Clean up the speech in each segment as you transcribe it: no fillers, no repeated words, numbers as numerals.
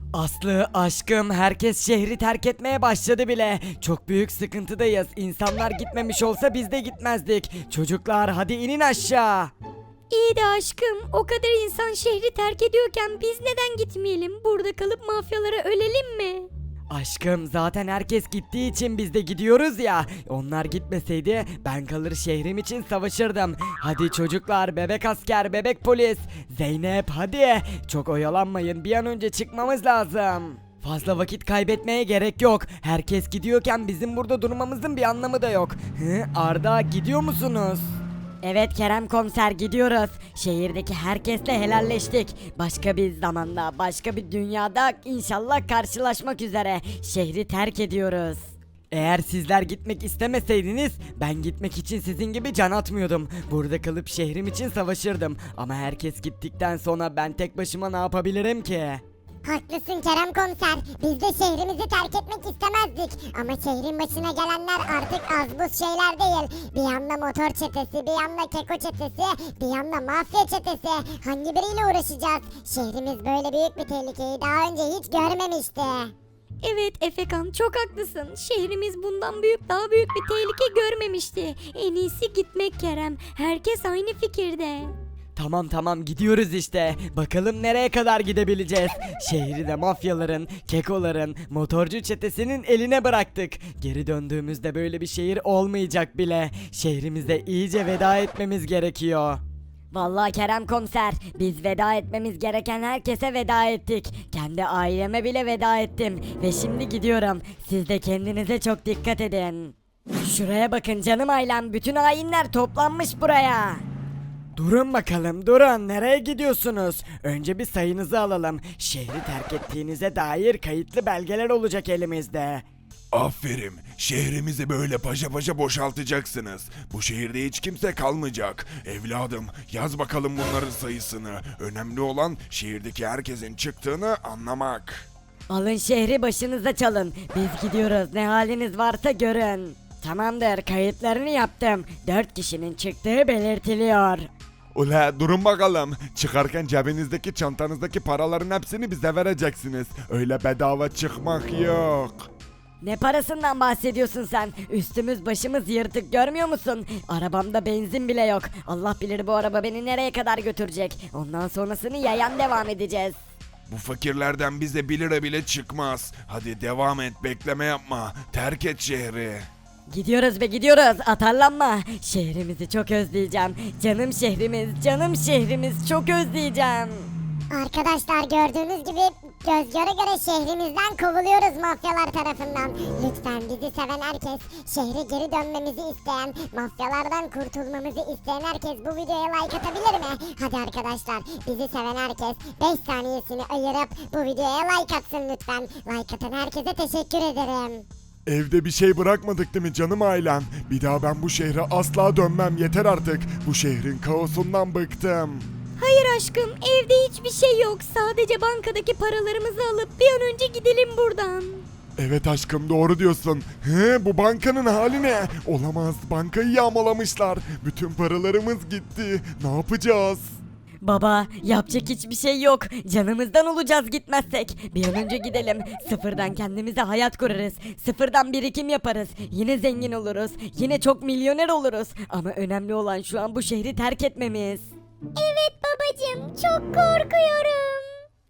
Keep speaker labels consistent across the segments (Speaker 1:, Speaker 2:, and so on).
Speaker 1: Aslı, aşkım, herkes şehri terk etmeye başladı bile. Çok büyük sıkıntıdayız. İnsanlar gitmemiş olsa biz de gitmezdik. Çocuklar hadi inin aşağı.
Speaker 2: İyi de aşkım, o kadar insan şehri terk ediyorken biz neden gitmeyelim? Burada kalıp mafyalara ölelim mi?
Speaker 1: Aşkım, zaten herkes gittiği için biz de gidiyoruz ya. Onlar gitmeseydi ben kalır şehrim için savaşırdım. Hadi çocuklar, bebek asker, bebek polis. Zeynep hadi. Çok oyalanmayın, bir an önce çıkmamız lazım. Fazla vakit kaybetmeye gerek yok. Herkes gidiyorken bizim burada durmamızın bir anlamı da yok. Arda, gidiyor musunuz?
Speaker 2: Evet Kerem komiser, gidiyoruz. Şehirdeki herkesle helalleştik. Başka bir zamanda, başka bir dünyada inşallah karşılaşmak üzere. Şehri terk ediyoruz.
Speaker 1: Eğer sizler gitmek istemeseydiniz ben gitmek için sizin gibi can atmıyordum. Burada kalıp şehrim için savaşırdım. Ama herkes gittikten sonra ben tek başıma ne yapabilirim ki?
Speaker 3: Haklısın Kerem komiser. Biz de şehrimizi terk etmek istemezdik. Ama şehrin başına gelenler artık az buz şeyler değil. Bir yanda motor çetesi, bir yanda keko çetesi, bir yanda mafya çetesi. Hangi biriyle uğraşacağız? Şehrimiz böyle büyük bir tehlikeyi daha önce hiç görmemişti.
Speaker 2: Evet Efekan, çok haklısın. Şehrimiz bundan daha büyük bir tehlike görmemişti. En iyisi gitmek Kerem. Herkes aynı fikirde.
Speaker 1: Tamam gidiyoruz işte. Bakalım nereye kadar gidebileceğiz. Şehri de mafyaların, kekoların, motorcu çetesinin eline bıraktık. Geri döndüğümüzde böyle bir şehir olmayacak bile. Şehrimize iyice veda etmemiz gerekiyor.
Speaker 2: Vallahi Kerem komiser, biz veda etmemiz gereken herkese veda ettik. Kendi aileme bile veda ettim ve şimdi gidiyorum. Siz de kendinize çok dikkat edin. Şuraya bakın canım ailem, bütün hainler toplanmış buraya.
Speaker 1: Durun bakalım, durun, nereye gidiyorsunuz? Önce bir sayınızı alalım. Şehri terk ettiğinize dair kayıtlı belgeler olacak elimizde.
Speaker 4: Aferin. Şehrimizi böyle paşa paşa boşaltacaksınız. Bu şehirde hiç kimse kalmayacak. Evladım, yaz bakalım bunların sayısını. Önemli olan şehirdeki herkesin çıktığını anlamak.
Speaker 2: Alın şehri başınıza çalın. Biz gidiyoruz, ne haliniz varsa görün. Tamamdır, kayıtlarını yaptım. 4 kişinin çıktığı belirtiliyor.
Speaker 4: Ula durun bakalım. Çıkarken cebinizdeki çantanızdaki paraların hepsini bize vereceksiniz. Öyle bedava çıkmak yok.
Speaker 2: Ne parasından bahsediyorsun sen? Üstümüz başımız yırtık, görmüyor musun? Arabamda benzin bile yok. Allah bilir bu araba beni nereye kadar götürecek. Ondan sonrasını yayan devam edeceğiz.
Speaker 4: Bu fakirlerden bize 1 lira bile çıkmaz. Hadi devam et, bekleme yapma. Terk et şehri.
Speaker 2: Gidiyoruz be gidiyoruz, atarlanma. Şehrimizi çok özleyeceğim. Canım şehrimiz, canım şehrimiz, çok özleyeceğim.
Speaker 3: Arkadaşlar gördüğünüz gibi göz göre göre şehrimizden kovuluyoruz mafyalar tarafından. Lütfen bizi seven herkes, şehre geri dönmemizi isteyen, mafyalardan kurtulmamızı isteyen herkes bu videoya like atabilir mi? Hadi arkadaşlar, bizi seven herkes 5 saniyesini ayırıp bu videoya like atsın lütfen. Like atan herkese teşekkür ederim.
Speaker 4: Evde bir şey bırakmadık değil mi canım ailem? Bir daha ben bu şehre asla dönmem, yeter artık. Bu şehrin kaosundan bıktım.
Speaker 2: Hayır aşkım, evde hiçbir şey yok. Sadece bankadaki paralarımızı alıp bir an önce gidelim buradan.
Speaker 4: Evet aşkım, doğru diyorsun. Bu bankanın hali ne? Olamaz, bankayı yağmalamışlar. Bütün paralarımız gitti. Ne yapacağız?
Speaker 2: Baba, yapacak hiçbir şey yok. Canımızdan olacağız gitmezsek. Bir an önce gidelim. Sıfırdan kendimize hayat kurarız. Sıfırdan birikim yaparız. Yine zengin oluruz. Yine çok milyoner oluruz. Ama önemli olan şu an bu şehri terk etmemiz.
Speaker 3: Evet babacığım, çok korkuyorum.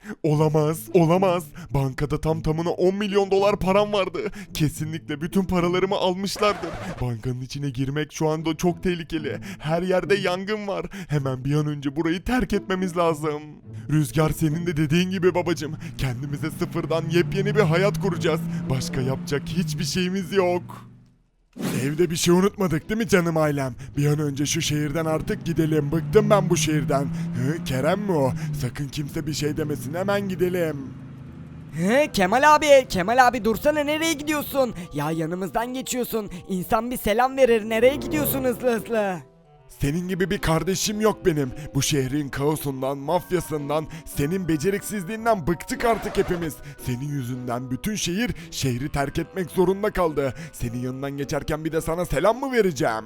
Speaker 4: Olamaz. Bankada tam tamına 10 milyon dolar param vardı. Kesinlikle bütün paralarımı almışlardır. Bankanın içine girmek şu anda çok tehlikeli. Her yerde yangın var. Hemen bir an önce burayı terk etmemiz lazım. Rüzgar, senin de dediğin gibi babacım. Kendimize sıfırdan yepyeni bir hayat kuracağız. Başka yapacak hiçbir şeyimiz yok. Evde bir şey unutmadık değil mi canım ailem? Bir an önce şu şehirden artık gidelim. Bıktım ben bu şehirden. Kerem mi o? Sakın kimse bir şey demesin, hemen gidelim.
Speaker 1: Kemal abi dursana, nereye gidiyorsun? Ya yanımızdan geçiyorsun. İnsan bir selam verir, nereye gidiyorsun hızlı?
Speaker 4: Senin gibi bir kardeşim yok benim. Bu şehrin kaosundan, mafyasından, senin beceriksizliğinden bıktık artık hepimiz. Senin yüzünden bütün şehri terk etmek zorunda kaldı. Senin yanından geçerken bir de sana selam mı vereceğim?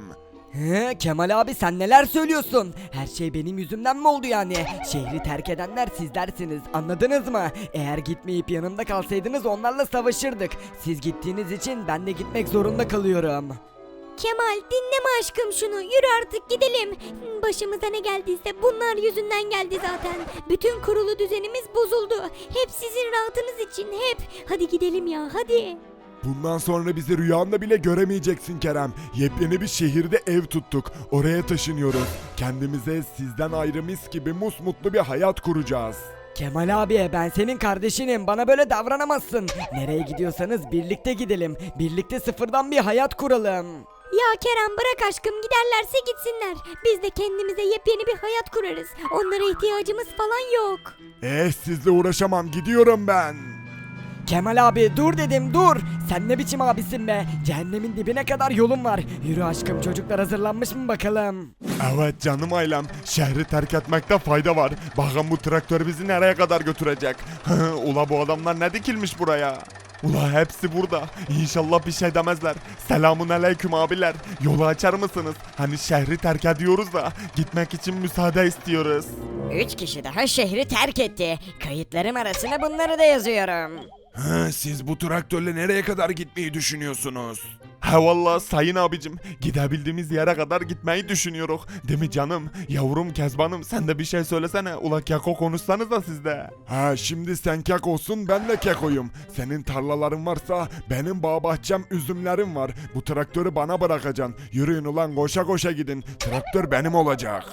Speaker 1: He, Kemal abi sen neler söylüyorsun? Her şey benim yüzümden mi oldu yani? Şehri terk edenler sizlersiniz, anladınız mı? Eğer gitmeyip yanımda kalsaydınız onlarla savaşırdık. Siz gittiğiniz için ben de gitmek zorunda kalıyorum.
Speaker 2: Kemal dinleme aşkım şunu. Yürü artık gidelim. Başımıza ne geldiyse bunlar yüzünden geldi zaten. Bütün kurulu düzenimiz bozuldu. Hep sizin rahatınız için hep. Hadi gidelim ya hadi.
Speaker 4: Bundan sonra bizi rüyanda bile göremeyeceksin Kerem. Yepyeni bir şehirde ev tuttuk. Oraya taşınıyoruz. Kendimize sizden ayrı mis gibi musmutlu bir hayat kuracağız.
Speaker 1: Kemal abi ben senin kardeşinim, bana böyle davranamazsın. Nereye gidiyorsanız birlikte gidelim. Birlikte sıfırdan bir hayat kuralım.
Speaker 2: Ya Kerem bırak aşkım giderlerse gitsinler. Biz de kendimize yepyeni bir hayat kurarız. Onlara ihtiyacımız falan yok.
Speaker 4: Sizle uğraşamam, gidiyorum ben.
Speaker 1: Kemal abi dur dedim, dur. Sen ne biçim abisin be? Cehennemin dibine kadar yolun var. Yürü aşkım, çocuklar hazırlanmış mı bakalım?
Speaker 4: Evet canım ailem, şehri terk etmekte fayda var. Bakın bu traktör bizi nereye kadar götürecek? Ula bu adamlar ne dikilmiş buraya? Ula hepsi burada. İnşallah bir şey demezler. Selamun aleyküm abiler. Yolu açar mısınız? Hani şehri terk ediyoruz da gitmek için müsaade istiyoruz.
Speaker 2: 3 kişi daha şehri terk etti. Kayıtlarım arasına bunları da yazıyorum.
Speaker 4: Siz bu traktörle nereye kadar gitmeyi düşünüyorsunuz? He valla sayın abicim, gidebildiğimiz yere kadar gitmeyi düşünüyoruz. Değil mi canım? Yavrum Kezban'ım, sen de bir şey söylesene. Ula keko konuşsanız da siz de. Ha şimdi sen kekosun, ben de kekoyum. Senin tarlaların varsa benim bağ bahçem üzümlerim var. Bu traktörü bana bırakacaksın. Yürüyün ulan, koşa koşa gidin. Traktör benim olacak.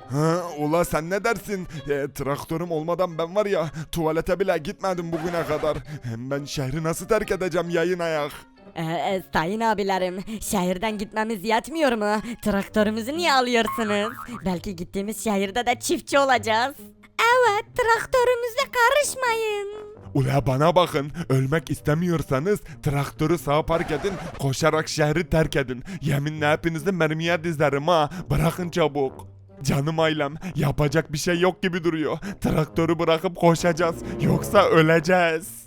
Speaker 4: Ula sen ne dersin? Traktörüm olmadan ben var ya, tuvalete bile gitmedim bugüne kadar. Hem ben şehri nasıl terk edeceğim yayın ayak?
Speaker 2: Sayın abilerim, şehirden gitmemiz yetmiyor mu? Traktörümüzü niye alıyorsunuz? Belki gittiğimiz şehirde de çiftçi olacağız. Evet, traktörümüze karışmayın.
Speaker 4: Ula bana bakın, ölmek istemiyorsanız traktörü sağa park edin, koşarak şehri terk edin. Yeminle hepinizi mermiye dizlerim ha, bırakın çabuk. Canım ailem, yapacak bir şey yok gibi duruyor. Traktörü bırakıp koşacağız, yoksa öleceğiz.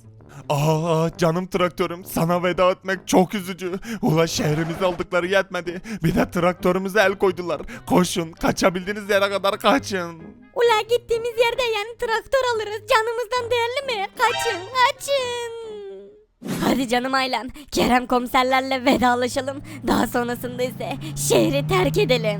Speaker 4: Canım traktörüm, sana veda etmek çok üzücü. Ula şehrimizi aldıkları yetmedi, bir de traktörümüze el koydular. Koşun, kaçabildiğiniz yere kadar kaçın.
Speaker 2: Ula gittiğimiz yerde yani traktör alırız. Canımızdan değerli mi? Kaçın, kaçın. Hadi canım ailem, Kerem komiserlerle vedalaşalım. Daha sonrasında ise şehri terk edelim.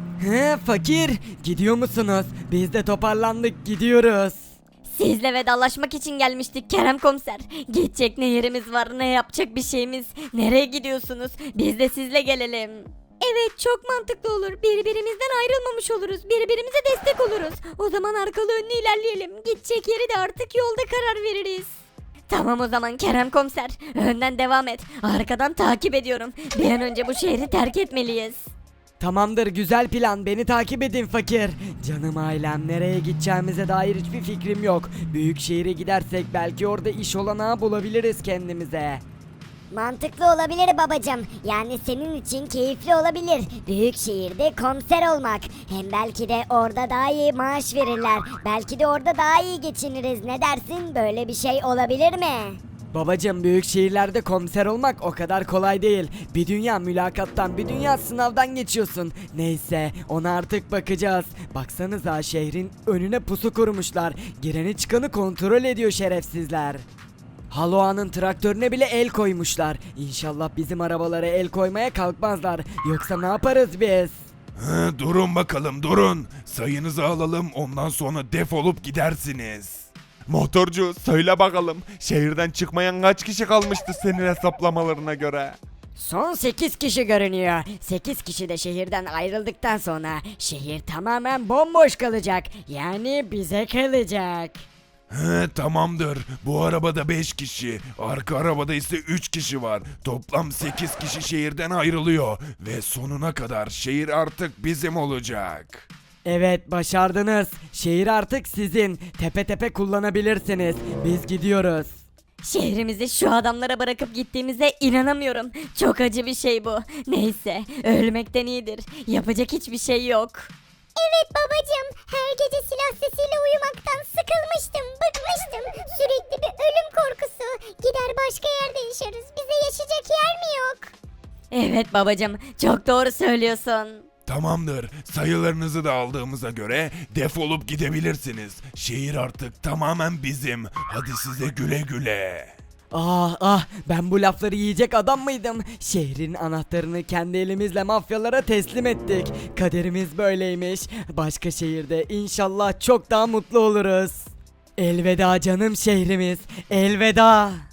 Speaker 1: He fakir, gidiyor musunuz? Biz de toparlandık, gidiyoruz.
Speaker 2: Sizle vedalaşmak için gelmiştik Kerem komiser. Gidecek ne yerimiz var, ne yapacak bir şeyimiz. Nereye gidiyorsunuz? Biz de sizle gelelim. Evet, çok mantıklı olur. Birbirimizden ayrılmamış oluruz. Birbirimize destek oluruz. O zaman arkalı önlü ilerleyelim. Gidecek yeri de artık yolda karar veririz. Tamam o zaman Kerem komiser. Önden devam et. Arkadan takip ediyorum. Bir an önce bu şehri terk etmeliyiz.
Speaker 1: Tamamdır, güzel plan, beni takip edin fakir. Canım ailem, nereye gideceğimize dair hiçbir fikrim yok. Büyük şehire gidersek belki orada iş olanağı bulabiliriz kendimize.
Speaker 3: Mantıklı olabilir babacım. Yani senin için keyifli olabilir. Büyük şehirde komiser olmak. Hem belki de orada daha iyi maaş verirler. Belki de orada daha iyi geçiniriz. Ne dersin? Böyle bir şey olabilir mi?
Speaker 1: Babacım, büyük şehirlerde komiser olmak o kadar kolay değil. Bir dünya mülakattan, bir dünya sınavdan geçiyorsun. Neyse, ona artık bakacağız. Baksanıza, şehrin önüne pusu kurmuşlar. Gireni çıkanı kontrol ediyor şerefsizler. Haloa'nın traktörüne bile el koymuşlar. İnşallah bizim arabalara el koymaya kalkmazlar. Yoksa ne yaparız biz?
Speaker 5: Durun bakalım durun. Sayınızı alalım, ondan sonra defolup gidersiniz.
Speaker 4: Motorcu, söyle bakalım, şehirden çıkmayan kaç kişi kalmıştı senin hesaplamalarına göre?
Speaker 2: Son 8 kişi görünüyor. 8 kişi de şehirden ayrıldıktan sonra şehir tamamen bomboş kalacak. Yani bize kalacak.
Speaker 5: Tamamdır. Bu arabada 5 kişi, arka arabada ise 3 kişi var. Toplam 8 kişi şehirden ayrılıyor ve sonuna kadar şehir artık bizim olacak.
Speaker 1: Evet, başardınız. Şehir artık sizin. Tepe tepe kullanabilirsiniz. Biz gidiyoruz.
Speaker 2: Şehrimizi şu adamlara bırakıp gittiğimize inanamıyorum. Çok acı bir şey bu. Neyse, ölmekten iyidir. Yapacak hiçbir şey yok.
Speaker 3: Evet babacım. Her gece silah sesiyle uyumaktan sıkılmıştım, bıkmıştım. Sürekli bir ölüm korkusu. Gider başka yerde yaşarız. Bize yaşayacak yer mi yok?
Speaker 2: Evet babacım, çok doğru söylüyorsun.
Speaker 5: Tamamdır. Sayılarınızı da aldığımıza göre defolup gidebilirsiniz. Şehir artık tamamen bizim. Hadi size güle güle.
Speaker 1: Ah ah, ben bu lafları yiyecek adam mıydım? Şehrin anahtarını kendi elimizle mafyalara teslim ettik. Kaderimiz böyleymiş. Başka şehirde inşallah çok daha mutlu oluruz. Elveda canım şehrimiz. Elveda.